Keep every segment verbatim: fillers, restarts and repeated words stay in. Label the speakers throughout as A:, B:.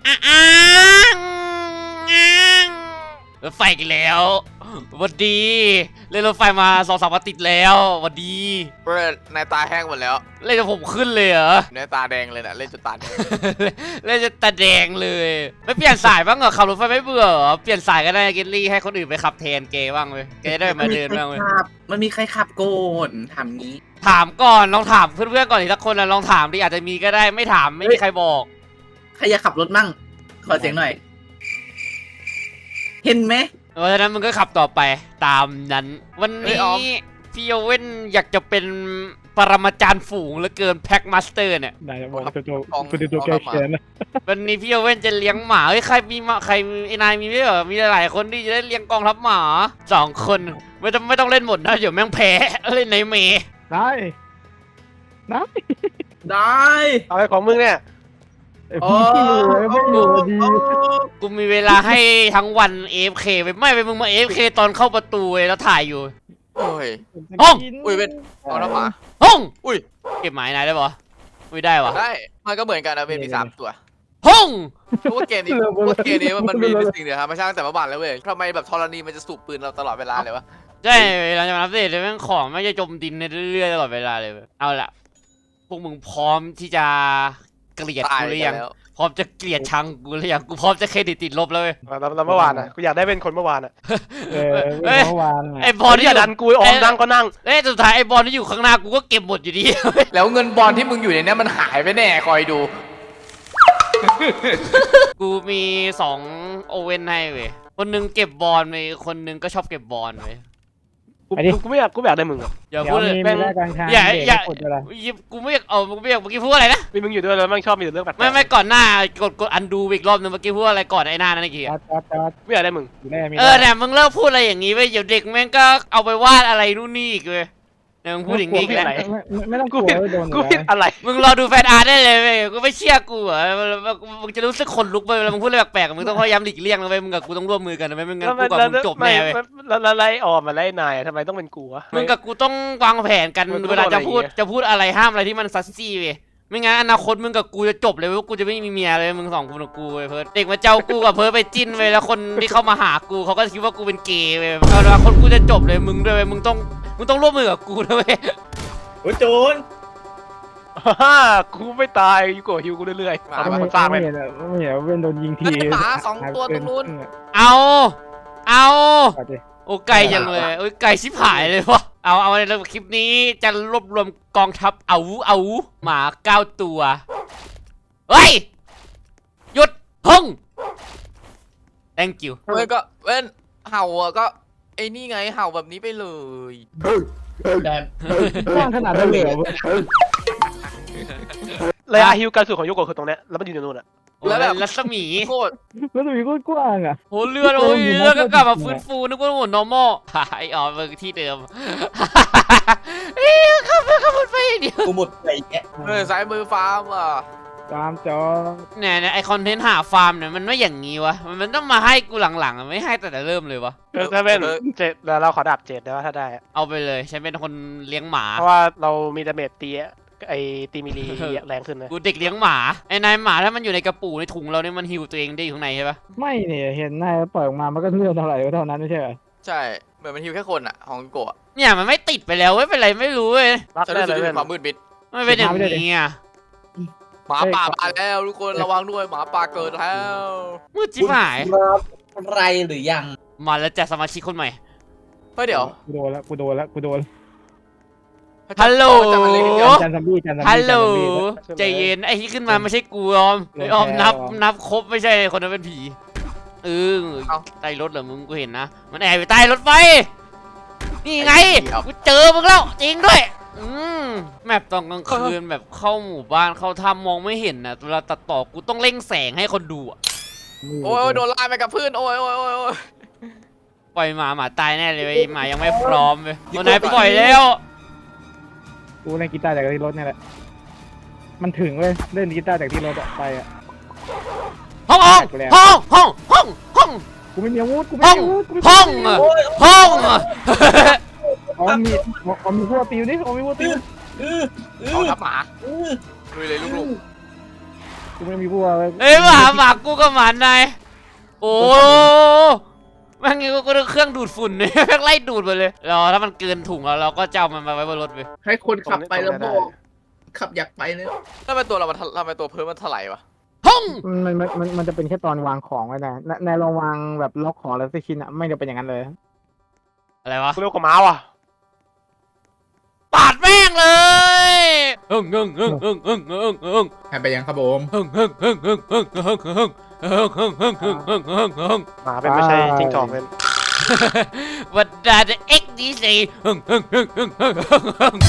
A: อ้างรถไฟกันแล้ววันดีเล่นรถไฟมาสองสามวันติดแล้ววันดี
B: เพื่อนนายตาแห้งหมดแล้ว
A: เล่นจนผมขึ้นเลยเหรอ
B: นายตาแดงเลยนะเล่นจนตาแดง
A: เล่นจนตาแดงเลยไม่เปลี่ยนสายบ้างเหรอขับรถไฟไม่เบื่อเหรอเปลี่ยนสายก็ได้เกลลี่ให้คนอื่นไปขับแทนเกบ้างเลยเกได้มาเดินบ้างเลย
C: มันมีใครขับโกนทำงี้
A: ถามก่อนลองถามเพื่อนๆก่อนอีกสักคนนะลองถามดิอาจจะมีก็ได้ไม่ถามไม่มีใครบอก
C: ใครอยากขับรถมั่งขอเสียงหน่อย เห็นไหม
A: เพราะฉะนั้นมึงก็ขับต่อไปตามนั้นวันนี้พี่โอเว่นอยากจะเป็นปรมาจารย์ฝูงเหลือเกินแพ็กมาสเตอร์เนี่ย
D: ได้บอกตัวตัวตัวตัวแก้แค้นนะ
A: วันนี้พี่โอเว่นจะเลี้ยงหมาเฮ้ยใครมีมาใครไอ้นายมีไม่เหรอมีหลายๆคนที่จะได้เลี้ยงกองทัพหมาสองคนไม่ต้องไม่ต้องเล่นหมดนะเดี๋ยวแม่งแพ้เล่นในเมย์
D: ได้ได้
C: ได้
E: เอาไอ้ของมึงเนี่ย
D: ไอ้พี่ไอ้พี่อยู่ดี
A: กูมีเวลาให้ทั้งวัน เอ เอฟ เค ไปไม่ไปมึงมา เอ เอฟ เค ตอนเข้าประตูเลยแล้วถ่ายอยู่
B: โอ้ย
A: ห้อง
B: อุ้ยเป็นเอาน้ำหมา
A: ห้อง
B: อุ้ย
A: เก็บหมายนายได้ปะไม่ได้วะ
B: ได้มันก็เหมือนกันนะเวนมีสามตัว
A: ห้อง
B: เพราะว่าเกมนี้เพราะว่าเกมนี้มันมีเป็นสิ่งเดียวครับไม่ใช่ตั้งแต่เมื่อวานแล้วเว้ยทำไมแบบธรณีมันจะสูบปืนเราตลอดเวลาเลยวะ
A: ใช่หลังจากนั้นเสร็จแม่งของไม่จะจมดินเรื่อยๆตลอดเวลาเลยเว้ยเอาละพวกมึงพร้อมที่จะเกลียด
B: ตาย
A: กูหรือ
B: กั
A: ยั
B: น
A: ง
B: แล้ว
A: พร้อมจะเกลียดชังกูหรือยังกูพร้อมจะเครดิตติดลบแล้วเว้ย
E: เราเราเมื่อวานอ่ะกูอยากได้เป็นคนเมื่อวานอ่ะ
D: เออเมื่อวาน
A: ไอ้บอลที่
E: อย่าดันกูออกนั่งก็นั่ง
A: เอ้ยสุดท้ายไอ้บอลที่อยู่ข้างหน้ากูก็เก็บหมดอยู่ดี
B: แล้วเงินบอลที่มึงอยู่ในนี้มันหายไปแน่คอยดู
A: กูมีสองโอเว่นให้เว้ยคนหนึงเก็บบอลไปคนหนึงก็ชอบเก็บบอลเว้ย
E: กูกูไม่อยากกูไม่อยากได้มึงอ่ะ
A: อย่า
D: เดี๋ย
A: พู
D: ว
A: ดเลย
D: มี
A: แม่ง
D: แม่กลางทาง
A: อย่าอย่า
D: กดอะไร
A: กูไม่อยากเอากูไม่อยากเมื่อกี้พูดอะไรนะ
E: มีมึงอยู่ด้วยแล้วแม่งชอบมีแต่เรื่องแปลกๆ
A: ไม่ไม่ก่อนหน้ากดกดอันดูอีกรอบนึงเมื่อกี้พูดอะไรก่อนไอ้หน้านั่นเมื่อกี้
D: จอดจอดจอด
E: ไม่อยากได้มึง
D: อยู่ได้มี
A: เออเนี่ยมึงเลิกพูดอะไรอย่างงี้ไปเดี๋ยวเด็กแม่งก็เอาไปวาดอะไรนู่นนี่อีกเลยเนี่ยมึงพูดอย่างงี้อีกแล้ว
D: ไม่ต้องก
E: กู
D: ลัว
E: ผิด
D: โดน
E: กูผิดอะไร
A: มึงรอดูแฟนอาร์ตได้เลยเว้ยกูไม่เชื่อกูอ่ะมึงจะรู้สึกขนลุกไปเวลามึงพูดอะไรแปลกๆมึงต้องพยายามหลีกเลี่ยงนะเว้ยมึงกับกูต้องร่วมมือกันนะเว้ยมึงงั้นกูกับมึงจบแน่เว้ย
E: แล้วแล้วไล่ออมมาไล่นายทำไมต้องเป็นกูวะ
A: มึงกับกูต้องวางแผนกัน
E: มึงต้อง
A: เวลาจะพูด
E: อะไรอย่างเงี้ย
A: จะพูดอะไรห้ามอะไรที่มันซัสซี่เว้ยไม่งั้นอนาคตมึงกับกูจะจบเลยเว้ยกูจะไม่มีเมียเลยมึงสองคนกับกูเว้ยเพิร์ดเด็กมาเจ้ากูกับเพิร์ดไปจิ้นเว้ยแล้วคนที่เข้ามาหากูเขาก็คิดว่ากูเป็นเกย์เว้ยเอาละคนกูจะจบเลยมึงด้วยเว้ยมึงต้องมึงต้องร่วมมือกับกูนะเว้ย
C: โอ้ยโจร
E: ฮ่ากูไม่ตายอยู่กับฮิวกูเรื่อยๆเอาเป็นคนสร้างไป
D: ไม่เห็นไม่เห็นเว้นโดนยิงที
B: หมาสองตัวตรงนู้น
A: เอาเอา
D: เอาดิ
A: โอ้ไก่จังเลยโอ้ยไก่ชิบหายเลยวะเอาเอาในคลิปนี้จะรวบรวมกองทัพเอาเอาหมาเก้าตัวเฮ้ยหยุดพึ่ง thank you
B: เว้ยก็เว้นเห่าอ่ะก็ไอ้นี่ไงเห่าแบบนี้ไปเลย
C: แดน
D: กว้างขนาดนั้นเลยเหรอ
E: ระยะฮิวการสูดของโยโกะคือตรงเนี้ยแล้วมันอยู่ในนู่นอ่ะ
B: แล้วแบบ
A: รัศมี
B: โคตร
D: แล้วตัวนี้ก็กว้างอ่ะ
A: โหเลือดโอ้ยเลือดก็กลับมาฟื้นฟูนึกว่าหมด normal ไอ้อ๋อมึงที่เดิมเอ้ยขับไปขับไปอย่างเดียว
C: กูหมดไปแก
B: เออซ้ายมือฟาร์มอ่ะ
D: ตามจอ
A: เนี่ยเนี่ยไอคอนเทนต์หาฟาร์มเนี่ยมันไม่อย่างงี้วะมันมันต้องมาให้กูหลังๆอะไม่ให้แต่แต่เริ่มเลยวะ
E: เออถ้าเป็นเจ็ดแล้วเราขอดาบเจ็ดได้ว่าถ้าได้อะ
A: เอาไปเลยฉันเป็นคนเลี้ยงหมา
E: เพราะว่าเรามีดาเมจตีอะไอตีมิลีแรงขึ้นนะ
A: กูเด็กเลี้ยงหมาไอ้นายหมาถ้ามันอยู่ในกระปุกในถุงเราเนี่ยมันหิวตัวเองได้อยู่ข้างในใช่ปะ
D: ไม่เนี่ยเห็นนายปล่อยออกมามันก็เลือดเท่าไหร่ก็เท่านั้นไม่ใช่เหรอ
B: ใช่เหมือนมันฮิวแค่คนอ่ะของโกะ
A: เนี่ยมันไม่ติดไปแล้วเว้ยเป็นไรไม่รู้เว้ย
E: รับ
B: ฉัน
E: ได้
B: รู้สึ
E: เล
B: ก
E: ย
B: ถึงความมืดมิด
A: ไม่เป็นอย่างนี้อ่ะ
B: หมาป่ามาแล้วทุกคนระวังด้วยหมาป่าเกิดแล้ว
A: มืดจิ๋วหาย
C: ไรหรือยัง
A: มาแล้วจัดสมาชิกคนใหม่
B: เฮ้ยเดี๋ยว
D: กูโดนแล้วกูโดนแล้วกูโดน
A: ฮัลโหล
B: จะมาเล่นกัน
D: จันซัมบี้จันซัมบี้
A: ฮัลโหล
D: จันซัมบี้
A: ใจเย็นไอ้ที่ขึ้นมาไม่ใช่กูออมไอ้ออมนับนับครบไม่ใช่คนนั้นเป็นผีเออใต้รถเหรอมึงกูเห็นนะมันแอบอยู่ใต้รถไฟนี่ไงกูเจอมึงแล้วจริงด้วยอืมแมปตอนกลางคืนแบบเข้าหมู่บ้านเข้าถ้ำมองไม่เห็นนะเวลาตัดต่อกูต้องเร่งแสงให้คนดูอะ
B: โอ้ยโดนลากไปกับพื้นโอ้ยโอ้ยโอ้ยโอ้ย
A: ปล่อยหมาหมาตายแน่เลยเว้ยหมายังไม่พร้อมเลยวันไหนปล่อยแล้ว
D: กูเล่นกีตาร์จากที่รถเนี่ยแหละมันถึงเลยเล่นกีตาร์จากที่รถอะไปอะ
A: ห้องห้องห้องห้องห้องห้อง
D: กูไม่มีอาวุธกูไม่
A: ห้อง
D: มีอาวุธกูไม่มี
A: ห้อง
D: อาวุธ
A: ห้อง
D: อ๋อมีอ๋อมีพวกติวนี่อ๋อมีพวกติว
C: อืออือ
B: เอาทับหมา
C: อือ
B: ลุยเลยลูก
D: กูไม่มีพวก
A: เอ้ยมาหาหมากูกับหมานายโอ้แม่งงี้ก็เครื่องดูดฝุ่นเนี่ยแม่งไล่ดูดไปเลยเราถ้ามันเกินถุงแล้วเราก็จะเอามันมาไว้บนรถไป
C: ให้คนขับไปแล้วบอกขับอยากไปเลย
B: ทำไมตัวเรามันทำไมตัวเพิ่มมันถลายวะ
A: ห้อง
D: มันมันมันมันจะเป็นแค่ตอนวางของไว้นะในลองวางแบบล็อกของแล้วสักชิ้นอ่ะไม่จะเป็นอย่างนั้นเลย
A: อะไรวะ
E: กูเร็วกว่าม้าว่ะ
A: ปาดแม่งเลยเฮิงเฮิงเฮิงเฮิงเฮิงเฮิงเฮิง
C: ให้ไปยังครับผม
A: เฮิงเฮิงเฮิงเฮิงเฮิงเฮิงเฮิงเฮิงเฮิงเฮิงเฮิงเฮิงเฮิงเฮิง
E: หมาเป็นไม่ใช่จิ้งจอกเป็น
A: วัดดาเอ็กดีซีเฮิงเฮิงเฮิงเฮิงเฮิงเฮิงเฮิง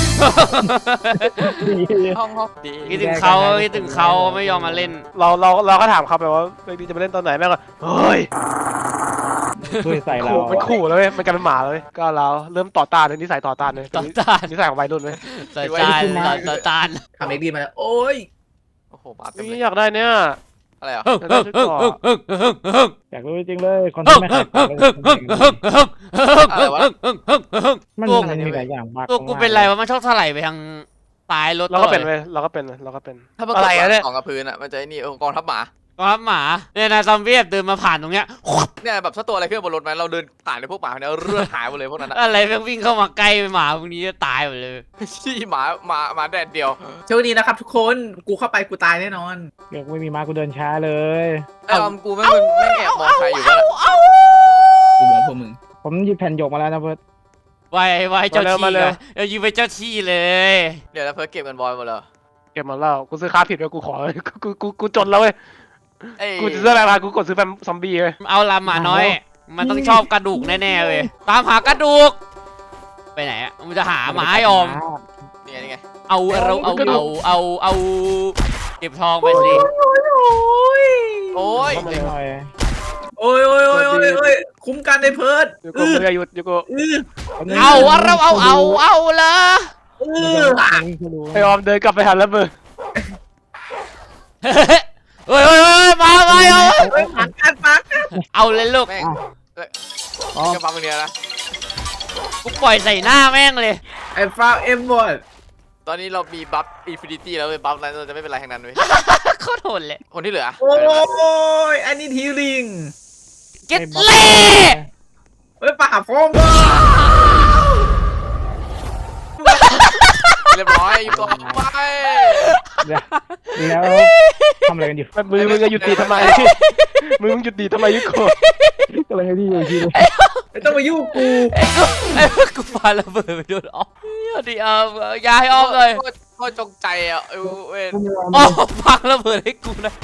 B: ห้องห้องดี
A: คิดถึงเขาคิดถึงเขาไม่ยอมมาเล่น
E: เราเราเราก็ถามเขาไปว่าเบบี้จะไปเล่นตอนไหนแม่งก็เฮ้ย
D: ช่วยใส่เรา
E: ขู่มันขู่แล้วเว้ยมันกลายเป็นหมาแล้วเว้ยก็เราเริ่มต่อต้านเลยนิสัยต่อต้านเลย
A: ต่อต้าน
E: นิสัยของวัยรุ่นเว้ย
A: ต่อต้านต่อต้าน
C: ทำเอ็กดีมาแล้วโอ้ย
B: โอ้โหมาเต็มเล
E: นี่
B: ย
E: อยากได้เนี่ย
B: อะไรอ่ะ
A: เฮิงเฮิงเฮิงเฮิงเฮิงเฮิงเฮิง
D: อยากรู้จริงเลยคนที่ไม่ขายของมันมันมีหลายอย่างมาก
A: ตัวกูเป็นไรวะมันชอบถลายไปทางซ้ายรถ
E: เราก็เป็นเว้ยเราก็เป็นเว้ยเราก็เป็น
B: ถ้ามัน
E: อะไรอะเนี่ย
B: กองกับพื้นอ่ะมันจะไอ้นี่เออกองทัพหมา
A: ครับหมาเนี่ยนะซอมบี้เดินมาผ่านตรงเนี้ย
B: เนี่ยแบบถ้าตัวอะไรขึ้นบนรถไหมเราเดินผ่านในพวกหมาเนี่ยเลือดหายหมดเลยพวกนั้นอะ
A: อะไรแม่งวิ่งเข้ามาใกล้หมาพวกนี้จะตายหมดเลย
B: ชี้หมาหมาหมาแดดเดียว
C: โชคดีนะครับทุกคนกูเข้าไปกูตายแน่นอน
D: เดี๋ยวไม่มีมากูเดินช้าเลย
B: ไอ้ออมกูแม่งแม่งแอบมองใครอยู่วะ
C: กูมองพวกมึง
D: ผมหยิบแผ่นหยกมาแล้วนะเพื่อน
A: ไวไวเจ้าที่เลยเออยิงไปเจ้าที่เลย
B: เดี๋ยวแล้วเพิ่งเก็บกันบอยหมดเลย
E: เก็บมาแล้วกูซื้อค้าผิดเลยกูขอกูกูกูจนแล้วเว้ย
B: เอ้ย
E: กูจะซื้ออะไรมากูกดซื้อแฟมซอมบี้เว้ย
A: เอาละหมาน้อย มันต้องชอบกระดูกแน่ๆเลยตามหากระดูกไปไหนอ่ะมันจะหาหมาให้ออม
B: นี่ไงนี่ไง
A: เอาเราเอาเอาเอาเอาเก็บทองไปสิ
B: โอ้ย
D: หน่อย
C: โอ้ยโอ้ยโอ้ยโอ้ยโอ้ยคุ้มกันในเพิร์ด
E: ยูโกมือหยุดยูโก
A: เอาเราเอาเอาเอาละ
C: เออ
E: ไอออมเดินกลับไปหันแล้วมือ
A: เฮ้ยเฮ้ยมามาเอา
C: เฮ้ยปักกันปัก
A: เอาเลยลูก
B: แม่ง
D: อ๋อ
B: กระปังเนี้ยนะ
A: กูปล่อยใส่หน้าแม่งเลย
C: ไอ้ฟาวเอ็มบอด
B: ตอนนี้เรามีบัฟอินฟินิตี้แล้วเว้ยบัฟนั้นเราจะไม่เป็นไรทั้งนั้นเว้ย
A: โคตรโหดเลย
B: คนที่เหลือ
C: โอ้ยอันนี้ทีลิง
A: เก็ตเล่
C: เฮ้ยป่าพร้อมว่ะ
B: เรียบร้อยอยู่ต่อไป
D: แล้วทำอะไรกันอยู่
E: มือมึงจะหยุดดีทำไมมือมึงหยุดดีทำไมยูโก
D: กำลังที่อยู่ที่
C: ไม่ต้องมายุ่งกู
A: ไอ้พวกกูปาระเบิดไปโดนออมดิออมยายออมเลย
B: โคตรจงใจอ่ะเออเว้ย
A: ออมพังระเบิดให้กูนะ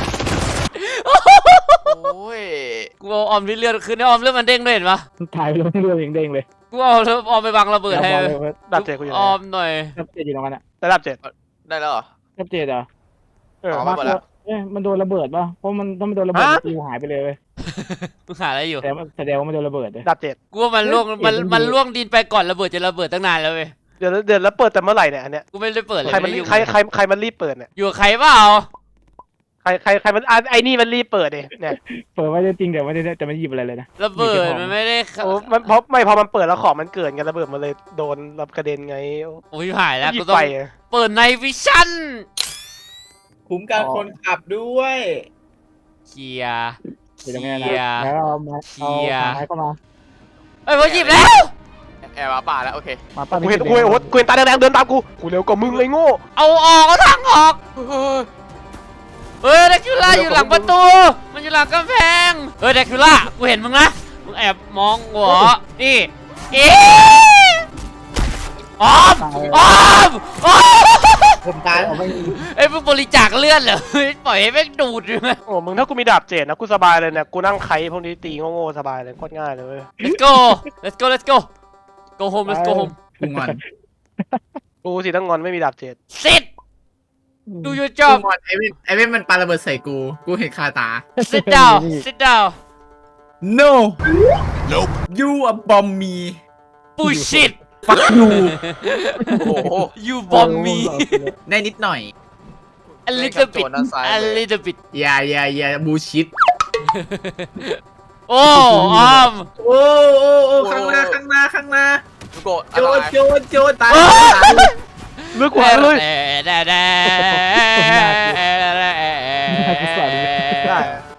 B: โอ้ย
A: กูเอาออมที่เลือดขึ้นให้ออมเลือดมันเด้งด้วยเห็นปะ
D: ถ่ายไปแล้วเรือเด้งเลย
A: กูเอาเลือดออมไปบังระเบิดให้
E: ดับเจ็ดกูอยู่
A: ออมหน่อย
D: รับเจ็ดอยู่ตรงนั้นอ่ะ
E: แต่ดับเจ็ด
B: ได้แล้วเหรอ
D: รับเจ็ดเหรอ
E: เออ
B: เอา
D: มา
B: หมดแล้ว
D: เอ้ยมันโดนระเบิดป่ะเพราะมันถ้ามันโดนระเบิดปิวหายไปเลยเว้ย
A: มึงหาอะไรอยู่
D: แต่แสดงว่ามันโดนระเบิดเลย
E: ดับเจ็ด
A: กูว่ามันล่วงมันมันล่วงดินไปก่อนระเบิดจะระเบิดตั้งนานแล้วเว้ย
E: เดี๋ยวเดี๋ยวแล้วเปิดแต่เมื่อไหร่เนี่ยอันเนี้ย
A: กูไม่ได้เปิดเลย
E: ใครมัน
A: ไม่ได้อยู่
E: ใครใครใครมันรีบเปิดเนี่ย
A: อยู่กับใครเปล่า
E: ใครใครใครมันอ่ะไอ้นี่มันรีบเปิดเนี่ยเนี่ย
D: เปิดไว้จริงแต่ไม่ได้แต่ไม่หยิบอะไรเลยนะ
A: ระเบิดมันไม่ได้
E: โอ้มันเพราะไม่พอมันเปิดแล้วของมันเกิดไงระเบิดมันเลยโดนรับกระเด็นไง
A: โอ้ยหายแล้ว
E: หยิ
A: กู
E: บ
A: ต้อง
E: ไป
A: เปิดในวิชั่น
C: คุ้มกันคนขับด้วย
A: เคลียร์
D: อยู่ตรงนี้นะ
A: เหี้ย
D: แล้วเอาไม้
A: เหี้
D: เอา
A: ย
D: ไม้เข้ามา
A: เอ้ยผมหยิบแล้ว
B: แอบมาป่าแล้วโอเค
D: มาปั้น
E: กูเห็นกูเห็นโอ้โหกูเห็นตาแดงๆเดินตามกูกูเร็วกว่ามึงเลยโง่
A: เอาออกเอาทางออกเฮ้ยเดคิวล่าอยู่หลังประตูมันอยู่หลังกำแพงเฮ้ยเดคิวล่ากูเห็นมึงนะมึงแอบมองหัวนี่เอ๊ะออมออมออม
C: ผมตาย
D: เอาไม่
A: เอ้ยมึงบริจาคเลือดเหรอเฮ้ยปล่อยให้แม่งดูดอยู่ไหม
E: โอ้มึงถ้ากูมีดาบเจ็ดนะกูสบายเลยเนี่ยกูนั่งไคพวกนี้ตีโง่ๆสบายเลยโคตรง่ายเลยเว้ย
A: let's go let's go let's go go home let's go home
C: กูงอน
E: กูสิต้องงอนไม่มีดาบเจ็ด
A: sit do your
C: กู
A: job
C: งอนไอเว่นไอเว่นมันปาระเบิดใส่กู กูเห็นคาตา
A: sit down sit down
C: no nope you a bomb me
A: bullshit
C: fuck you
B: โอ้โห
A: you bomb me
C: ได้นิดหน่อย
A: a little bit
B: โจรด้านซ้าย
A: a
B: เลย
A: little bit
C: อย่าอย่าอย่าบูชิด
A: โอ้ออม
C: โอ้โอ้โอ้ข้างหน้าข้างหน้าข้างหน้า
B: ลูกโกะ
C: โจ
B: อะไร
C: นโจนโจนตาย
A: เอ้ย
E: เลือกกว่าเลย
A: แด่แด่แด่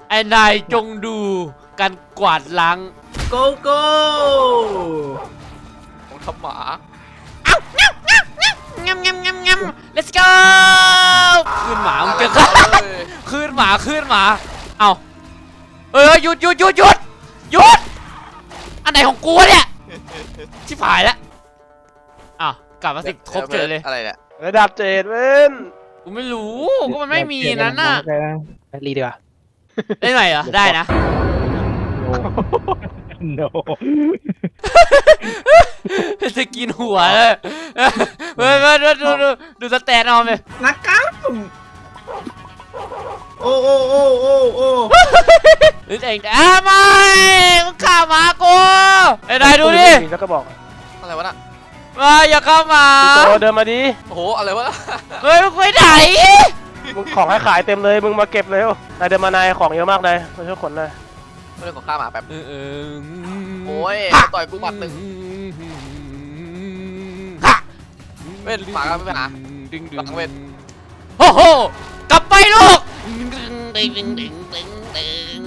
A: ไอ้นายจงดูการกวาดล้าง
C: โกโก้
B: ของทำหมา
A: เอ้างับงับงับงับงับงับงับ let's go ขึ้นหมามึงเจอกันขึ้นหมาขึ้นหมาเอ้าเออหยุดหยุดหยุดหยุดหยุดอันไหนของกูวะเนี่ยชิบหายแล้วอ้าวกลับมาสิครบเจอเลย
B: อะไรเนี่ย
E: ระดับเจ็ดเว้น
A: กูไม่รู้ก็มันไม่มีนั้นน่ะ
E: รีดีกว่า
A: ได้ไหมเหรอได้นะ
D: โน
A: จะกินหัวเลยเฮ้ยมาดูดูดูดูสแตนออมเลย
C: นักกล้ามโอ้โอ้โอ้โอ้โอ้
A: ดูเองอ้าไม่มึงฆ่าหมากูไอ้นายดูดิ
E: แล้วก็บอก
B: อะไรวะน่ะ
A: มาอย่าเข้ามา
E: พี่โตเดินมาดิ
B: โอ้โหอะไรวะ
A: เฮ้ยมึงไปไหน
E: มึงของให้ขายเต็มเลยมึงมาเก็บเร็วนายเดินมานายของเยอะมากนายมาช่วยขนหน่อย
B: เรื่องของข้าหมาแป๊บ
A: เออเออ
B: โอ้ยต่อยกูหมัดหนึ่ง
A: ฮะ
B: เว้นหมาก็ไม่เป็นหมา
A: ดึงดึ
B: หลั
A: ง
B: งเว้น
A: โอ้โหกลับไปลูกดึงดึงดึงดึงดึงดึง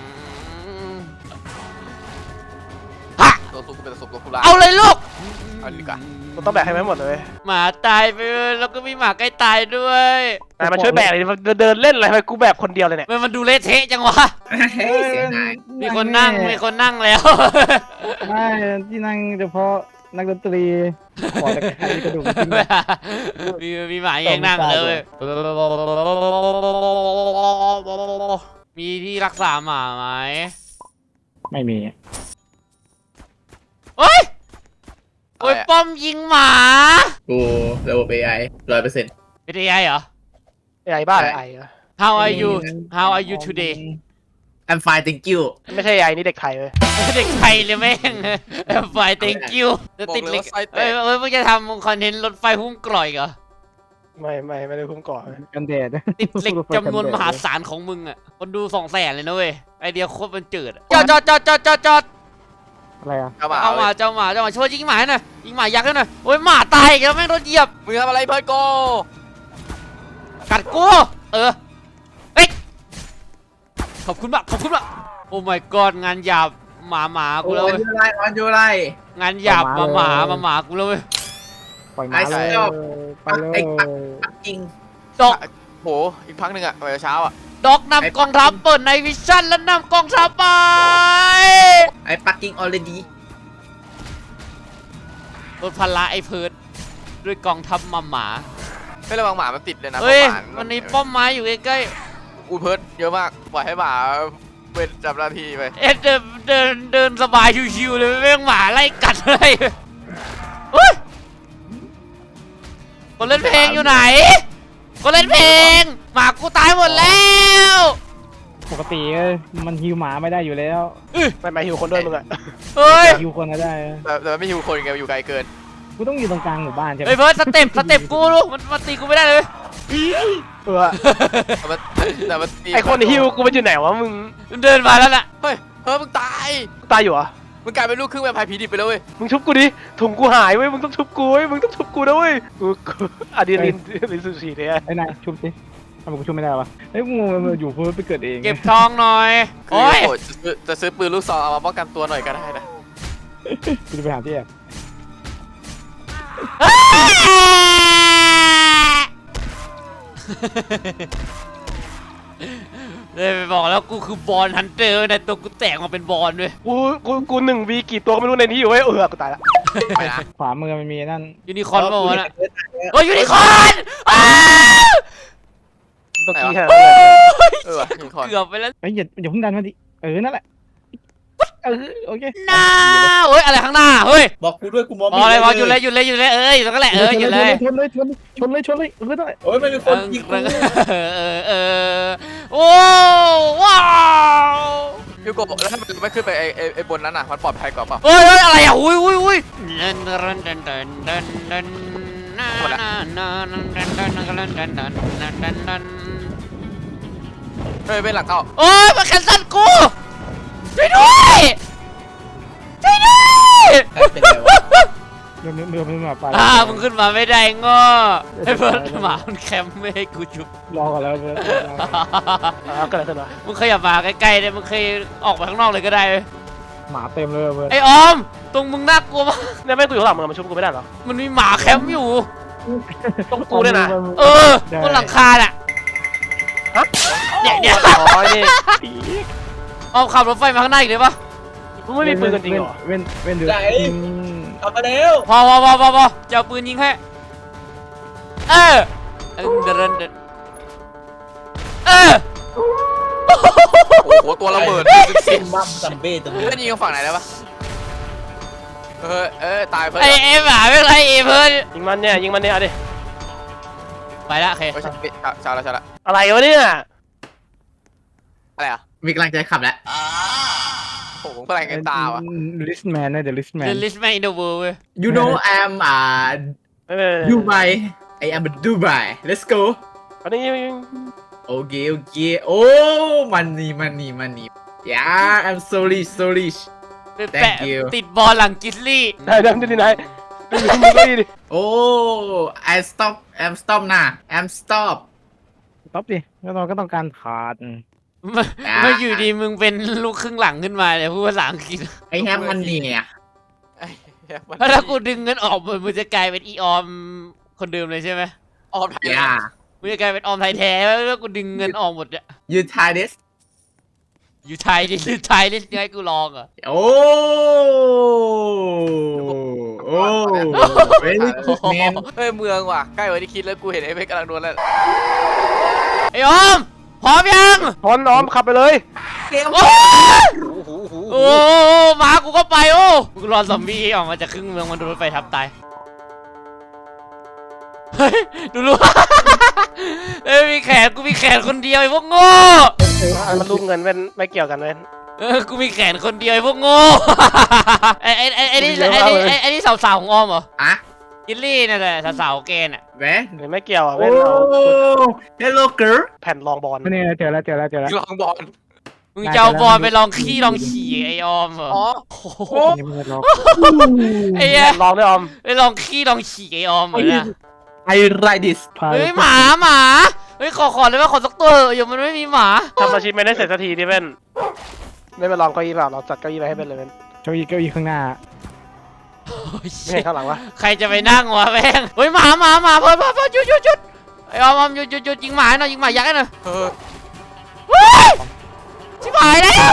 A: ฮะ
B: ตัวสุกเป็นตัวสุกตัวคุลา
A: เอาเลยลูก
B: เอาดีกว่า
E: มึงต้องแบกให้ไหมหมดเลย
A: หมาตายไปเลยแล้วก็มีหมาใกล้ตายด้วย
E: นายมาช่วยแบกเลยเดินเล่นอะไรไปกูแบกคนเดียวเลยเนี่ย
A: มันมันดูเละเทะจังวะ
C: เฮ้ยเสียงหาย
A: มีคนนั่งมีคนนั่งแล้ว
D: ไม่ที่นั่งเฉพาะนักดนตรีขอตะไคร้กระดูกจริง
A: มีมีหมาแยงนั่งเลย มีที่รักษาหมาไหม
D: ไม่มี
A: เฮ้ยโอ้ยป้อมยิงหมา
C: กูระบบ เอ ไอ ร้อยเปอร์เซ็นต์
A: เป็นไงเหรอ
E: ไอ้บ้าไอ้เหรอ
A: How are you How are you today
C: I'm fine thank you
E: ไม่ใช่ไอ้นี่เด็กไทยเว้ย
A: เด็กไทยเลยแม่งไฟ thank you จะติดเหล็กเอ้ยเอ้ยมึงจะทำคอนเทนต์รถไฟหุ้มกร่อยเหรอ
E: ไม่ไม่ไม่ได้พุ่งก่อน
D: กันแดด
A: ติดเหล็กจำนวนมหาศาลของมึงอ่ะคนดูสองแสนเลยนะเว้ยไอเดียโคตรมันเจิดจอดจอดจอดจอดจอดจอด
D: อะไรอ่ะ
B: เอาหมา
A: เอามาเจ้าหมาเจ้าหมาช่วยยิงหมาหน่อยยิงหมายักษ์หน่อยโอ้ยหมาตายอีกแล้วแม่งโดนเหยียบ
B: มึงทำอะไรเพื่อนโก
A: กัดกูเออเฮ้ยขอบคุณมากขอบคุณมากโอ้ my god งานหยาบหมาหมากู
C: โอ้
A: แล้ว
C: ย
A: เว้ย
C: ยูไรออนยูไร
A: งานหยาบหมาหมาหมาหมากูแล้วเว้ย
D: ปล่อยหมาเลยไปเลย
C: จริง
A: ดอก
B: โหอีกพักหนึ่งอะไปเช้าอะ
A: ดอกนำกองทัพเปิดในวิชั่นแล้วนำกองทัพไป
C: ไอ้ปักกิ้งออลเรดี
A: รถพละไอ้เพิร์ดด้วยกองทัพหมาหมา
B: ไม่ระวังหมามันติดเลยนะ
A: เฮ้ย
B: หา
A: มันมีป้อมไม้อยู่ใกล้
B: อูเพิร์ดเยอะมากปล่อยให้หมาเป็นจับหน้าที่ไป
A: ๆเอ็ดเดินเดินเดินสบายชิวๆเลยไม่งหมาไล่กัดเลยเฮ้ยคนเล่นเพลงอยู่ไหนคนเล่นเพลงหมากูตายหมดแล้ว
D: ปกติมันฮิวหมาไม่ได้อยู่แล้ว
E: ไม่ไม่หิวคนด้วยมึงอะ
A: เฮ้ย
D: ฮิวคนก็ได้
B: แต่แต่มันไม่หิวคนไงมันอยู่ไกลเกิน
D: กูต้องอยู่ตรงกลางหมู่บ้านใช่ไหม
A: เฮ้ยเพิร์ดสเต็ปสเต็ปกูลูกมันมันตีกูไม่ได้เลย
E: เออ
B: แต่มันแต่มันตี
E: ไอคนหิวกูมันอยู่ไหนวะมึง
A: มันเดินมาแล้วน่ะ
B: เฮ้ยเฮ้ยมึงตาย
E: ตายอยู่เหรอ
B: มึงกลายเป็นลูกครึ่งแวมไพร์ผีดิบไปแล้วเว้ย
E: มึงชุบกูดิถุงกูหายเว้ยมึงต้องชุบกูเว้ยมึงต้องชุบกูนะเว้ยกูกูอะดรีนาลินลินสูสีเนี่ย
D: ไอ้นายชุบสิทำไมกูชุบไม่ได้วะเฮ้ยงูมันอยู่เพื่อไปเกิดเอง
A: เก็บทองหน่อย
B: คือ
A: โอ้ย
B: โหจะซื้อจะซื้อปืนลูกซองเอามาป้องกันตัวหน่อยก็ได้นะ
D: กูจะไปหาที่แอบ
A: เลยไปบอกแล้วกูคือบอลฮันเตอร์ในตัวกูแตกมาเป็นบอลด้วย
E: กูกูกูหนึ่งวีกี่ตัวก็ไม่รู้ในนี้อยู่เว้ยเออกูตายละ
B: ไปนะ
D: ขวามือมันมีนั่น
A: ยูนิคอร์นเปล่าวะน่ะโอ้ยยูนิคอร์นอ้าว
E: ต้องกี้แค่
B: เออยูนิคอร์น
A: เกือบไปแล้ว
D: ไอ้ยอย่าอย่าเพิ่งดันมาดิเออนั่นแหละเออโอเค
A: น้าเฮ้ยอะไรข้างหน้าเฮ้ย
C: บอกกูด้วยกูมอง
A: บอลอะไรบอลหยุดเลยหยุดเลยหยุดเลยเอ้ยอยู่ตรงนั้นแหละเออหยุดเลย
D: ชนเลยชนเลยชนเลยชนเลยเออนั่นแหละ
C: โอ้ยมันมีคนยิงกู
A: เออเออเออโอ้ว้าว
B: ยูโกะแล้วถ้ามันไม่ขึ้นไปไอ้ไอ้ไอ้บนนั้นอ่ะมันปลอดภัยกว่าเปล่า
A: เฮ้ยเฮ้ยอะไรอ่ะอุ้ยอุ้ยอุ้ยเดินเดินเดินเดินเดินเดินนานานาเดินเดินเดินเดินเดินเดินเดินเดินเดินเดิน
B: เฮ้ยเป็นหลังเข้า
A: โอ้ยมาแคนเซิลกูช่วยด้วยช่วยด้วย
C: เป็นไงวะ
D: ยเมื่อเมื่อเมื่อหมาป่า
A: อ่ามึงขึ้นมาไม่ได้ง้อไอ้เพื่อนหมามันแคมป์ไม่ให้กูจุบ
D: รอก่อนแล้วเพื่อน
E: อ่าก็เลยขึ้นมา
A: มึงขยับมาใกล้ๆเลยมึงเคยออกไปข้างนอกเลยก็ได้เว้ย
D: หมาเต็มเลยเพื่อน
A: ไอ้ออมตรงมึงน่ากลัวมาก
E: เนี่ยไม่กูอยู่ข้างหลังมึงมันชุบกูไม่ได้เหรอ
A: มันมีหมาแคมป์อยู่
E: ต้องกูเนี่ยนะ
A: เออบนหลังคาน่ะ
E: ฮะ
A: เนี่ยเนี่ย
E: อ๋อนี่
A: ออมขับรถไฟมาข้างหน้าอีกเลยปะ
E: มึงไม่มีปืนกันจริงเหรอ
D: เว้นเว้นเดือด
C: กลับมาเร็ว
A: พอพอพอพอพอจะเอาปืนยิงให้เออเออเดินเดินเดินเออ
B: โอ้โหตัวระเบิด
C: ซิมบัมซัมเบ้ตรงนี้
B: เพื่อนยิงกันฝั่งไหนได้ปะเออเออตายเพื่อน
A: ไอเอ็มหาไม่เป็นไรเอเพิ่น
E: ยิงมันเนี่ยยิงมันเนี่ยเอาดิ
A: ไปละโอเค
B: เฮ้ยชาละชาละ
E: อะไรวะเนี่ย
B: อะไรอ่ะ
C: มีกำลังใจขับแล้ว
B: โอ้โหพลังกันตาว่ะ
D: ลิสแมนนะเดี๋ยวลิสแมน
A: The List Man in the World เว้ย
C: you know I'm อ่า
E: ไม่ไม่ไม่
C: Dubai I am a Dubai let's go
E: อันนี้
C: โอเคโอเคโอ้ money money money yeah I'm so rich so rich
A: ไป
C: Thank
A: แปะ
C: you
A: ติดบอลหลังกิสลี่
E: ได้ได้ได้ที่ไหนมึงมึงก็ดีดิ
C: โอ้ I stop I'm stop นะ I'm stop
D: ต๊อปดิแล้วเราก็ต้องการขาด
A: มามาอยู่ดีมึงเป็นลูกครึ่งหลังขึ้นมาเนี่ยพูดภาษาอังกฤษ
C: I have money อ่ะ
B: ไอ้เหี้ยมัน
A: แล้วถ้ากูดึงเงินออกมึงจะกลายเป็นอีออมคนเดิมเลยใช่ไหม
B: ออมไทย
C: yeah
A: มึงจะกลายเป็นออมไทยแท้แล้วกูดึงเงินออกหมดเนี่ย
C: you try this
A: อยู่ไทยดิอยู่ไทยดิยังไงกูลองอ่ะ
C: โอ้โอ้ very good man
B: เฮ้ยเมืองว่ะใกล้กว่าที่คิดแล้วกูเห็นไอ้เพชรกำลังโดนแล้ว
A: ไอ้ออมพร้อมยัง
E: พอนน้อมขับไปเลย
A: โอ้
B: โอ้โหโอ้โห
A: โอ้หมากูก็ไปโอ้กูรอซอมบี้ออกมาจากครึ่งเมืองมันโดนรถไฟทับตายเฮ้ยดูรู้ เอ้ยมีแขนกูมีแขนคนเดียวไอ้พวกโง่
E: มันลูกเงินเป็นไม่เกี่ยวกันเว้น
A: เออกูมีแขนคนเดียวไอ้พวกโง่ ไอ้ไอ้ไอ้ไอ้นี่ไอ้นี่ไอ้ไอ้นี่สาวๆของออมเหรอ
C: อ่ะ
A: อิลลี่นั่นแหละสาวๆเกนอ่ะ
C: แหว
E: หรือไม่เกี่ยวอ่ะ
C: โอ้
E: เว้นเอา
C: hello girl
E: แผ่นรองบอล
D: นี่เจอแล้วเจอแล้วเจอแล้ว
B: ลองบอล
A: มึงจะเอาบอลไปลองขี้ลองฉี่ไอ้ออมเหรอ
B: อ๋อ
A: โอ้โห
D: นี่มันรอ
A: ไอ้เหี้ย
E: แผ่นรองด้วยออม
A: ไปลองขี้ลองฉี่ไอ้ออมเหรอเนี่ย
C: I like this
A: เฮ้ยหมาหมาเฮ้ยขอขอเลยว่าขอสักตัวเถอะอย่ามันไม่มีหมา
E: ทำอาชีพไม่ได้เสร็จสักทีดิเว้นไม่ไปลองเก้าอี้เปล่าเราจัดเก้าอี้ไปให้เป็นเลยเว้น
D: เก้าอี้เก้าอี้ข้างหน้า
A: โอ้ย
E: ไม่เห็นข้างหลังวะ
A: ใครจะไปนั่งวะแม่งเฮ้ยหมาหมาหมาเพิ่มเพิ่มเพิ่มหยุดหยุดหยุดไอ้ออมออมหยุดหยุดหยุดยิงหมาหน่อยยิงหมายักษ์หน่อย
B: เออ
A: เฮ้ยชิบหายแล้ว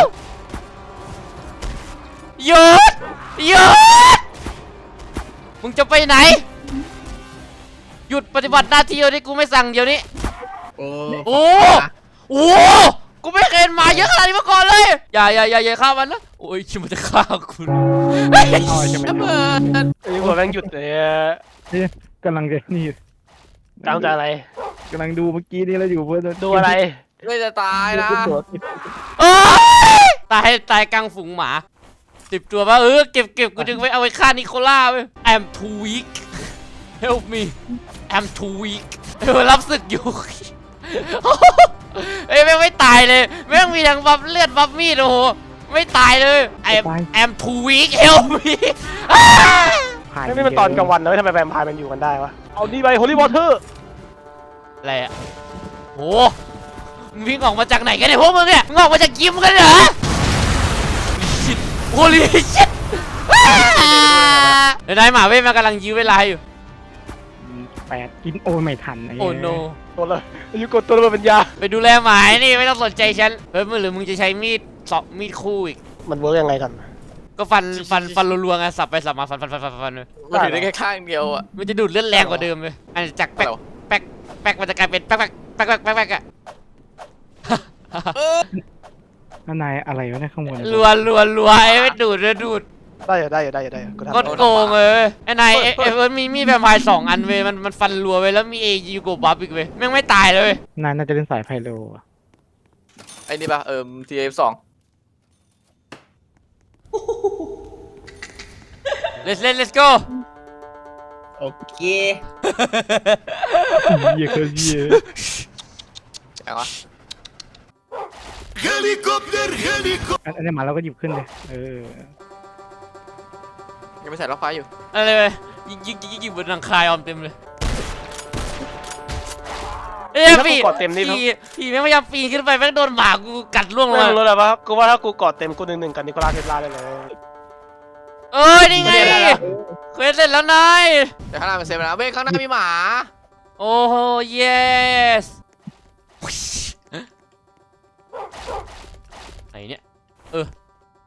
A: หยุดหยุดมึงจะไปไหนหยุดปฏิบัติหน้าที่เดี๋ยวนี้กูไม่สั่งเดี๋ยวนี้
C: โอ้
A: โอ้โอ้กูไม่เคยเห็นหมาเยอะขนาดนี้มาก่อนเลยอย่าอย่าอย่าอย่าฆ่ามันนะโอ้ยชิมันจะฆ่าคุณเฮ้ย
D: เอาจะไม่
B: ระเบิด
E: ไอ้หัวแม่งหยุดเลยอะ
D: นี่กำลังจะนี่
E: ตามใจอะไร
D: กำลังดูเมื่อกี้นี่แล้วอยู่เพื่อน
E: ดูอะไร
B: ไม่จะตายนะ
A: โอ้ยตายตายกลางฝูงหมาสิบตัวป่ะเออเก็บเก็บกูดึงไว้เอาไว้ฆ่านิโคล่าเว้ย I'm too weak help me I'm too weak เออรับศึกอยู่ เอ้ยแม่งไม่ตายเลยแม่งมีทั้งบัฟเลือดบัฟมีดโอ้โหไม่ตายเลย I'm I'm too weak help me
E: นี่มันตอนกลางวันนะเว้ยทำไมแวมไพร์มันอยู่กันได้วะเอานี่ไปโฮลี่วอเตอร์
A: อะไรอะโหมึงวิ่งออกมาจากไหนกันเนี่ยพวกมึงเนี่ยมึงออกมาจากยิมกันเหรอชิตโฮลี่ชิตเดี๋ยวนายหมาเว้ยมันกำลังยื้อเวลาอยู่
D: แปดกินโอ้ไม่ทัน
A: โอ้โน
E: ตัวเลยอายุกดตัวระเบิดปัญญา
A: ไปดูแลหมานี่ไม่ต้องสนใจฉันเฮ้ยมึงหรือมึงจะใช้มีดสอบมีดคู่อีก
E: มันเวิร์กยังไงกัน
A: ก็ฟันฟันฟันรัวๆไงสับไปสับมาฟันฟันฟันฟันฟันเลย
B: มันถือได้แค่ข้างเดียวอ่ะ
A: มันจะดูดเลือดแรงกว่าเดิมเลยอันจากแป๊กแป๊กแป๊กมันจะกลายเป็นแป๊กแป๊กแป๊กแป๊กแป๊กแป๊กอะ
D: นั่นนายอะไรวะเนี่ยข้างบน
A: รัวรัวรัวไอ้ไม่ดูดเลยดูด
E: ได้อยู่ได้อยู่ได้อยู่ได้อยู่กูทำ
A: ก็โกงเลยไอ้นายไอ้ไอ้เอิร์ธมีมีดแวมไพร์สองอันเว้ยมันมันฟันรัวเว้ยแล้วมีเอจีโกบัฟอีกเว้ยแม่งไม่ตายเลย
D: นายน่าจะเล่นสายไพโลอะ
B: ไอ้นี่ป่ะเอิมทีเอฟสอง
A: let's let let's go
C: โอเค
D: เยี่ยคือเยี่ย
B: อย่างวะ
D: อันอันนี้หมาเราก็หยิบขึ้นเลยเออ
B: ยังไม่ใส่ล็อกไฟอยู่
A: อะไรเว้ยยิงยิงยิงยิงบนหลังคายออมเต็มเลยเอ้ยพี่พี่พี่ไม่พยายามปีนขึ้นไปแม่งโดนหมากูกัดล่วงลง
E: ไม่
A: มา
E: รู้เลยว่ากูว่าถ้ากูกอดเต็มกูหนึ่งหนึ่งกับนิโคลัสเทสลาได้เลย
A: เอ้ยนี่ไงเควสเสร็จแล้วนาย
B: แต่ข้างหน้าเป็นเซฟนะเว้ยข้างหน้ามีหมา
A: โอ้โห yes ไหนเนี่ยเออ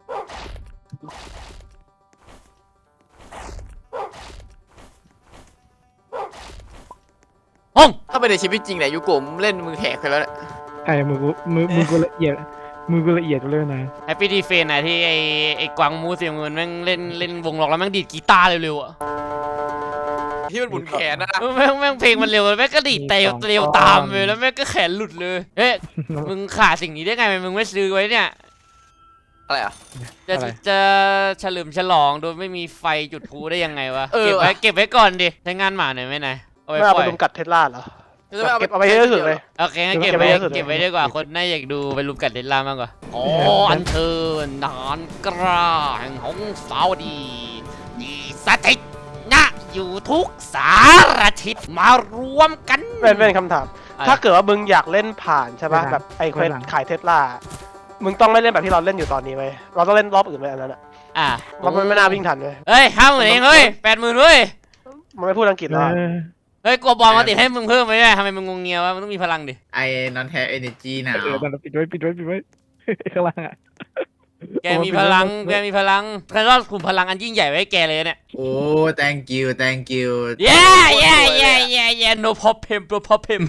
A: ห้อง
B: ถ้าเป็นในชีวิตจริงเนี่ยยูโกะเล่นมือแหกไปแล้วเนี่ย
D: ไอ้มือกูมือมือกูละเอียดมือกูละเอียดเลยนะ
A: แฮปปี้ดีเฟนนะที่ไอไอกวางมูเสียเงินแม่งเล่นเล่นวงล็อกแล้วแม่งดีดกีตาร์เร็วๆอ่ะ
B: ที่มันหมุนแขนนะ
A: แม่งแม่งเพลงมันเร็วแม่งก็ดีดเตวเร็วตามเลยแล้วแม่งก็แขนหลุดเลยเอ๊ะมึงขาดสิ่งนี้ได้ไงมึงไม่ซื้อไว้เนี่ย
B: อะไรอ่ะ
A: จะจะเฉลิมฉลองโดยไม่มีไฟจุดพลุได้ยังไงวะ
B: เออ
A: เก็บไว้
B: ว่ะ
A: เก็บไว้ก่อนดิใช้งานหมาหน่อยไหมนายเอา
E: ไม่
A: ไว้
E: เอา
A: ปล่
E: ไป
A: อย
E: ลุมกัดเทสลาเหรอ
B: จะไม่เอา
E: เก็บเอาไปให้เยอะสุดเลย
A: โอเคงั้นเก็บ
E: เก็บ
A: ไว้
E: ไว้เยอะสุด
A: เก็บไว้ดีกว่าคนน่าอยากดูไปรุมกัดเดลล่ามากกว่าอ๋ออันเชิญนานกล้าแห่งของสาวดีดีสถิตนะอยู่ทุกสารทิศมารวมกัน
E: เป็นเป็นคำถาม
A: อะไร
E: ถ้าเกิดว่ามึงอยากเล่นผ่านใช่ป่ะแบบไอ้เควสขายเทสลามึงต้องไม่เล่นแบบที่เราเล่นอยู่ตอนนี้เว้ยเราต้องเล่นรอบอื่นไปอันนั้นอะ
A: อ่ะ
E: เราไม่น่าวิ่งทันเว้ย
A: เฮ้ยห้าหมื่นเองเฮ้ยแปดหมื่นเว้ย
E: มันไม่พูดอังกฤษแล้วอะ
A: เฮ้ยกลัวบอลมาติดให้มึงเพิ่มไหมเนี่ยทำไมมึงงงเงียววะมันต้องมีพลังดิ
C: ไอ้ not have energy หนาว
D: เออตอนนั้นปิดไว้ปิดไว้ปิดไว้ ข้างล่างอ่ะ
A: แกมีพลังแกมีพลังแค่รอบกลุ่มพลังอันยิ่งใหญ่ไว้ให้แกเลยเนี่ย
C: โอ้ thank you thank you
A: yeah yeah yeah yeah yeah no problem no problem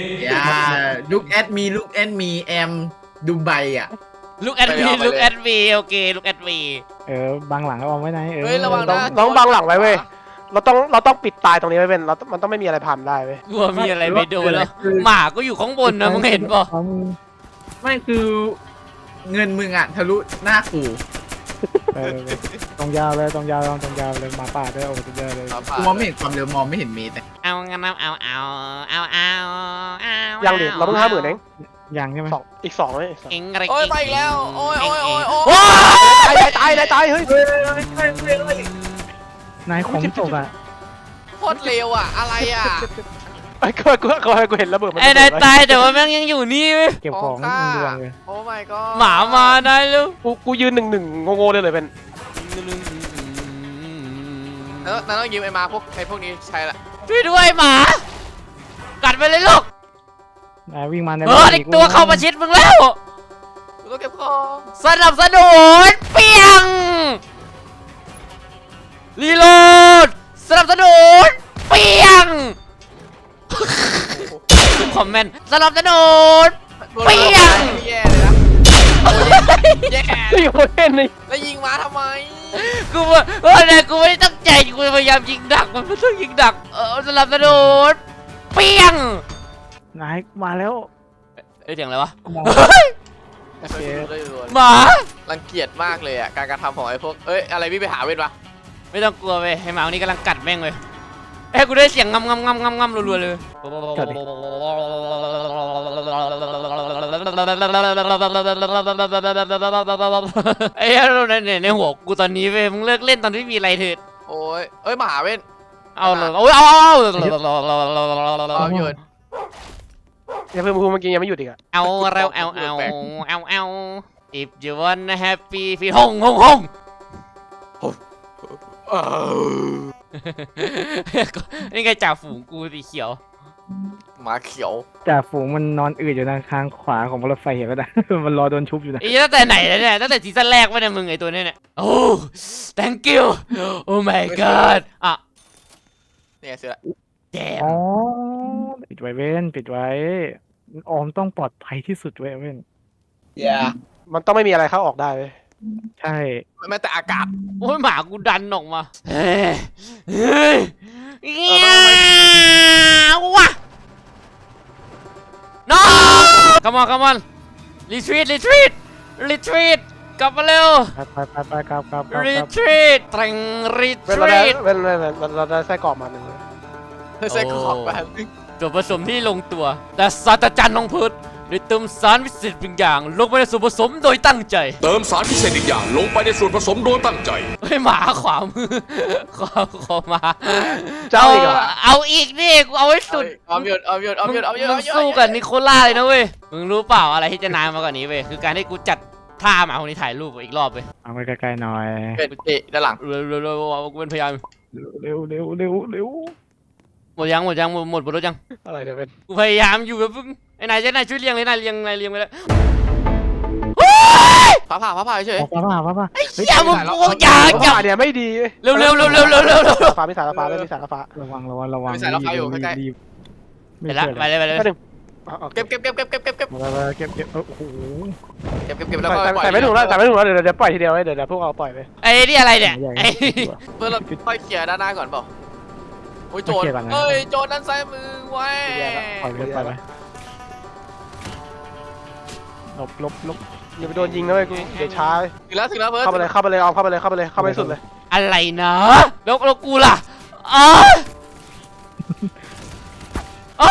C: yeah look at me look at me am Dubai อ่ะ
A: look at me look at me โอเค look at me
D: เออบางหลังก็เอาไว้ไหนเออ
B: เฮ้ยระวัง
E: ต้อ
B: นะ
E: งต้องบังหลังไว้เว้ยเราต้องเราต้องปิดตายตรงนี้ไว้เป็นเรามันต้องไม่มีอะไรผ่านได้เว้ย
A: กลัวมีอะไรไปโดนแล้วหมาก็อยู่ข้างบนนะมึงเห็นป่ะ
D: เอามือ
C: ไม่คือเงินมึงอ่ะทะลุหน้ากู
D: เออตรงยาวเลยตรงยาวตรงยาวเลยหมาป่าด้วยโอ้ตรงยาวเลย
B: หมาป่า
C: กูมองไม่เห็นความเร็วมองไม่เห็นเมตร
A: เอางั้นเอาเอาเอาเอาเอาเอา
E: ยังดิเราเพิ่งห้าหมื่นเอง
D: ยังใช่ไหม
E: สองอีกสองเลยอีกสอง
A: เอ็งอะไร
B: โอ้ยไปอีกแล้วโอ้ยโอ้ยโอ้ยโอ้
A: โอ้
B: ย
A: ย
E: ตายตายตายตายเฮ้ย
D: นายของตกอ่ะ
B: โคตรเร็วอ่ะอะไรอ่ะ
E: ไอ้กูกูกูกูเห็นระเบิดมัน
A: ไอ้นายตายแต่ว่าแม่งยังอยู่นี่เว้ย
D: เก็บของมึงดวงเลย
B: โอ้ my god
A: หมามานายลูก
E: กูกูยืนหนึ่งหนึ่งงงๆเลยเลยเป็น
B: แล้วนั่นต้องยืมไอ้มาพวกไอ้พวกนี้ใช้ละ
A: ช่วยด้วยหมา กัดไปเลยลูก
D: นายวิ่งมาใน
A: เออเด็กตัวเข้ามาชิดมึงแล้ว
B: กูต้องเก็บของ
A: สนับสนุนเปียงรีโหลดสนับสนุนเปียงคอมเมนต์สนับสนุน เปี้ยง
B: แย่เลยนะแย่
E: ไอ้โคเห็นนี่
B: แล้วยิงมาทำไม
A: กูว่าเออเนี่ยกูไม่ได้ตั้งใจกูพยายามยิงดักมันไม่ต้องยิงดักเออสนับสนุนเปียง
D: นายมาแล้ว
A: เอ้ยเสียงอะไรวะ
D: มอง
B: โอเคเลย
A: หมา
B: รังเกียจมากเลยอ่ะการกระทำของไอ้พวกเอ้ยอะไรพี่ไปหาเว้นวะ
A: ไม่ต้องกลัวเว้ยไอ้หมาวันนี้กำลังกัดแม่งเลยเอ้ยกูได้เสียงงำงำงำงำงำรัวๆเลยไอ้เหี้ยในในหัวกูตอนนี้เว้ยมึงเลิกเล่นตอนที่มีอะไรเถิด
B: โอ้ยเอ้ยมาหาเว้น
A: เอาเลยเอาเอาเอา
B: เอาหยุด
E: ยังเพิ่มพูเมื่อกี้ยังไม่หยุดอีกอะ
A: เอาเราเอาเอาเอาเอา if you wanna happy feel ห้องห้องห้องนี่ไงจ่าฝูงกูสีเขียว
B: หมาเขียว
D: จ่าฝูงมันนอนอืดอยู่ทางข้างขวาของรถไฟเห็นปะนะ มันรอโดนชุบอยู่นะ
A: ไอ้ตั้งแต่ไหนแล้วเนี่ยตั้งแต่ซีซั่นแรกวะเนี่ยมึงไอ้ตัวเนี้ยเนี่ยโอ้ thank you oh my god อ่ะ
B: เนี่ยเสือ
A: แจม
D: อ๋อปิดไว้เว้นปิดไว้ออมต้องปลอดภัยที่สุดเว้ยเว้น
C: อย่า
E: มันต้องไม่มีอะไรเข้าออกได้เว้ย
D: ใช่
B: แม้แต่อากาศ
A: โอ้ยหมากูดันออกมาเฮ้ยเฮ้ยเงี้ยวว่ะ no come on come on retreat retreat retreat กลับมาเร็ว
D: ไปไปไปไปกลับกลับกลับกลับ
A: retreat แตง
E: เว้นเราได้
A: retreat
E: เว้นเว้นเว้นเราเราได้ไส้กรอกมาหนึ่งเลย
B: เธอใส่ขอบแบบ
A: ส่วนผสมที่ลงตัว แต่ศาสตราจารย์น้องพืชโดยเติมสารพิเศษบางอย่างลงไปในส่วนผสมโดยตั้งใจ
F: เติมสารพิเศษอีกอย่างลงไปในส่วนผสมโดยตั้งใจ
A: เฮ้ยหมาขวามือขวาขวามา
E: เจ้าอีกเหรอ
A: เอาอีกนี่กูเอาให้สุด
B: เอาหยุดเอาหยุดเอาหยุดเอาหยุด
A: มึ
B: เอา
A: ง
B: หยุด
A: สู้กับนิโคล่าเลยนะเว้ยมึงรู้เปล่าอะไรที่จะนานมากกว่านี้เว้ยคือการที่กูจัดท่าหมาคนนี้ถ่ายรูปอีกรอบเว้ย
D: เอาไปใกล้ๆหน่อย
B: เป็นเตะด้านหลัง
A: เร็วเร็วเร็วกูเป็นพยายาม
D: เร็วเร็วเร็วเร็ว
A: หมดยังหมดยังหมดหมดบนรถยัง
E: อะไรเดี๋ยวเป็น
A: กูพยายามอยู่แบบมึงไอ้นายจะนายช่วยเลี้ยงเลยนายเลี้ยงนายเลี้ยงไปแล้ว
B: ฟ้าผ่าฟ้าผ่าเฉย
D: ป้าป้าป้าป้า
A: อย่ามึงกูอย่าอย่า
E: ฟ้าเนี่ยไม่ดี
A: เร็วเร็วเร็วเร็วเร็วเร็วเร็ว
E: ฟ้ามีสารฟ้าไม่มีสารฟ้า
D: ระวังระวังระวัง
A: ไปละไปเลยไปเลย
E: แค่หนึ่ง
B: เก็บเก็บเก็บเก็บเก็บเก็บเก็บ
D: มาไปเก็บเก็บโอ้โห
B: เก็บเก็บเก็บแล้วก็
E: ใส่ไม่ถูกแล้วใส่ไม่ถูกแล้วเดี๋ยวเดี๋ยวปล่อยทีเดียวเดี๋ยวเดี๋ยวพวกเราปล่อยไป
A: ไอ้นี่อะไรเนี่ยไอ้
B: เพื่อเราค่อยเคลียร์ด้านหน้าก่อนเปล่าโอ้ยโจรเอ้ยโจรด้านซ้ายมือไว้
D: ปล่อยไปปล่อยไปลบลบลบ
E: อย่าไปโดนยิงนะเว้ยกูเดี๋ยวช้า
B: ถึงแล้วถึงแล้วเพิร์ด
E: เข้าไปเลยเข้าไปเลยเอาเข้าไปเลยเข้าไปเลยเข้าไปสุดเลย
A: อะไรนะแล้วแล้วกูล่ะอ๋ออ๋อ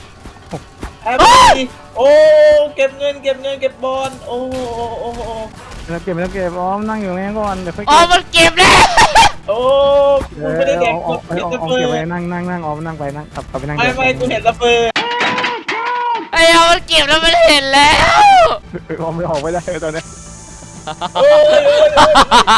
C: โอ้เก็บเงินเก็บเงินเก็บบอลโอ้โอ้โอ้
D: แล้วเก็บแล้วเก็บอ้อมนั่งอยู่นี่ก่อนเดี๋ยวค่อย
A: อ๋อ
D: เก็บ
A: มันเก็บแล้ว
C: โอ้กูไม่ได้แดก
D: ออก
C: เห็น
D: ออก
C: ระ
D: ออก
C: เบิ
D: เก็บไว้
C: ด
D: นั่งนั่งนั่งออมนั่งไปนั่งกลับกลับไปนั่ง
C: ไม่ไม่กูเห็นระเบิด
A: ไอ้เอามันเก็บแล้วมันเห็นแล้ว
D: ออมไม่ออกไม่ได้ตอนนี้
C: โอ้ย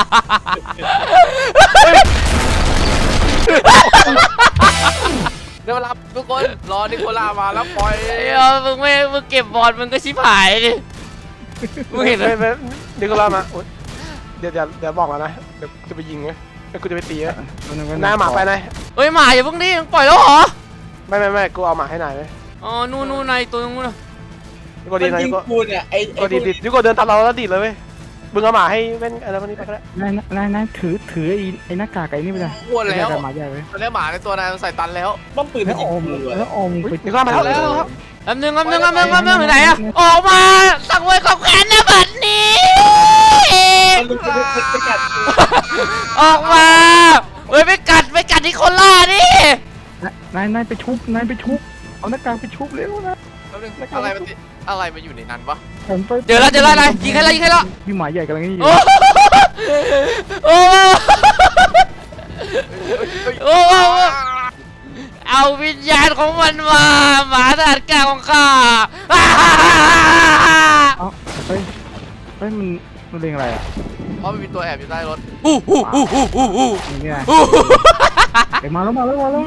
B: เดี๋ยวรับทุกคนรอนิโคล่ามาแล้วปล่อย
A: ไอ้เอามึงไม่มึงเก็บบอลมึงก็ชิบหายดิมึงเห็นไหม
E: ไม่ไม่เดี๋ยวกูลามาเดี๋ยวเดี๋ยวเดี๋ยวบอกแล้วนะเดี๋ยวจะไปยิงไว้กูจะไปตีนะนายหมาไปนาย
A: เฮ้ยหมาอย่าเพิ่งดิมึงปล่อยแล้วเหรอ
E: ไม่ไม่ไม่กูเอาหมาให้นายไหม
A: อ๋อนู่นนู่นในตัวนู้น
E: ยูโกดี
C: มัน
E: นาย
C: ยิ
E: ยู
C: ง
E: โก
C: กูเนี่ยไอ้
E: ยูโกดีดยูโกเดินตามเราแล้วดีดเลยเว้ยมึงเอาหมาให้เว้นอะไรพวกนี้ไปก็ได้
D: นายนายนายถือถือไอ้ไอ้หน้ากากไอ้นี่ไปเลย
B: อ้วนแล้ว
D: หมาใหญ่ไว้
B: ตอนนี้หมาในตัวนายใส่ตันแล้ว
C: ป้อมปืน
D: แล้
C: มัน
D: ว
C: ยิ
D: อง ม
C: กูอะ
D: แล้วอมไป
E: นี่ก็มาแล้วแล้วครับ
A: แป๊บนึงแป๊บนึงแป๊บนึงแป๊บนึงอยู่ไหนอะออกมาสั่งไว้กับแขนนะบัดนี้
C: มันลุกไปไปกัด
A: ออกมาเฮ้ยไปกัดไปกัดที่คนล่าดิ
D: นายนายไปชุบนายไปชุบเอาหน้ากากไปชุบเร็วนะ
B: แป๊บนึงอะไรมันติอะไรมันอยู่ในนั้นวะ
D: ผมไป
A: เจอแล้วเจอแล้วนายยิงให้แล้วยิงให้แล้ว
D: พี่หมาใหญ่กำลังนี่อยู่
A: โอ้โอ้โอ้เอาวิญญาณของมันมาหมาทหารกลางของข้า
D: เอ้าเฮ้ยเฮ้ยมันมันเรียงอะไรอ่ะ
B: เพราะมันมีตัวแอบอยู่ใต้รถ
A: อู้หู้หู้หู้หู้หู้
D: นี่ไง
A: หู้
D: เอ้ยมาแล้วมาแล้วมาแล้ว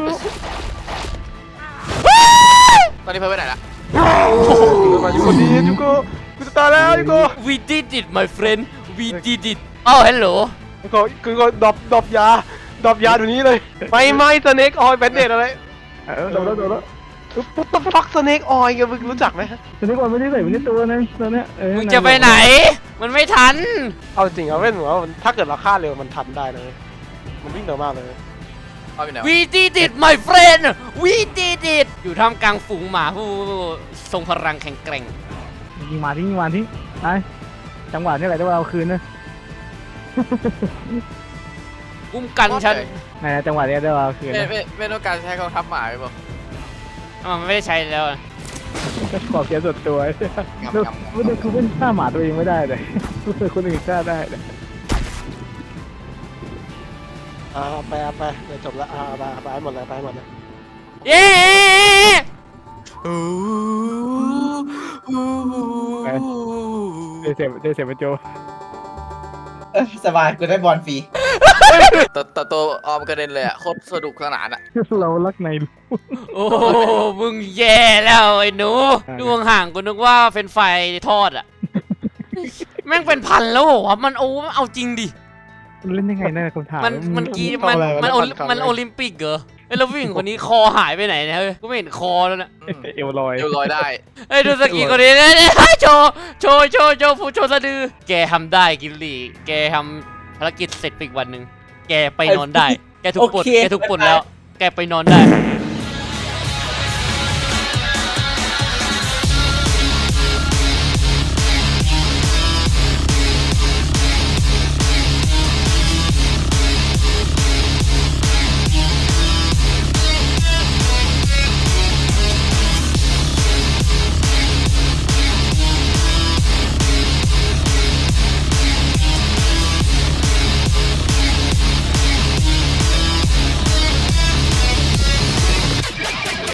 B: ตอนนี้เพิร์ดไปไหนละ
E: มายูโกดียูโกกูจะตายแล้วยูโก
A: We did it my friend we did it อ้าวฮัลโหล
E: ยูโกยูโกดรอปดรอปยาดรอปยาเดี๋ยวนี้เลยไม่ไม่สเน็กออยแบนเดดอะไร
D: เออโดนแล้วโดนแล้ว
E: ปุ๊บปั๊บฟักสเน็กออยมึงรู้จักไหม
D: ตอนนี้ก่อนไม่ได้ใส่ไม่ได้ตัวนะตอนเนี้ยเออ
A: มึงจะไปไหน มันไม่ทัน
E: เอาจริงเอาเว้นหัวาถ้าเกิดเราฆ่าเร็วมันทันได้เลยมันวิ่งเร็วมากเลย
B: เอาไปไหนวะ
A: We did it my friend We did it อยู่ท่ามกลางฝูงหมาผู้ทรงพลังแข็งแกร่ง
D: ยิงมาทิ้งยิงมาทิ้งไอ้จังหวะนี้แหละที่ว่าเอาคืนนะ
A: กุ้มกันฉัน
D: ไหนจังหวะนี้ได้ว่าเอาคืน
B: ไม่
D: นะ
B: ไม่ไม่ต้องการใช้กองทัพหมาไปบอก
A: อ้าวมันไม่ได้ใช้แล้วอะ
D: ขอบเสียส่วนตัวไม่ได้คือเป็นฆ่าหมาตัวเองไม่ได้เลยคนอื่นฆ่าได้เลย
E: อ่าไปอ่ะไปเดี๋ยวจบแล้วอ่าไปไปให้หมดเลยไปให้หมดเลย
A: เย้
D: ได้เสียได้เสียเป็นโจ
C: สบายกูได้บอลฟรี
B: ตัวตัวตัวออมกระเด็นเลยอ่ะโคตรสนุกสนานอ่ะ
D: เรารักใน
A: โอ้มึงแย่แล้วไอ้หนูดูห่างๆกูนึกว่าเป็นไฟทอดอะแม่งเป็นพันแล้วเหรอวะมันโอ้เอาจริงดิ
D: เล่นยังไงนะคำถาม
A: มันมันกีมันมันโอมันโอลิมปิกเหรอไอ้แล้วผู้หญิงคนนี้คอหายไปไหนเนี่ยเฮ้ยกูไม่เห็นคอแล้วนะ
B: อืม
D: เอวลอย
B: เดี๋ยวลอยได้
A: ไอ้ยดูสกีคนนี้เนี่ยโชว์โชว์โชว์โชว์ผู้โชว์สะดือแกทำได้กิลลี่แกทำภารกิจเสร็จไปอีกวันหนึ่งแกไปนอนได้แกถูกปลดแกถูกปลดแล้ว แกไปนอนได้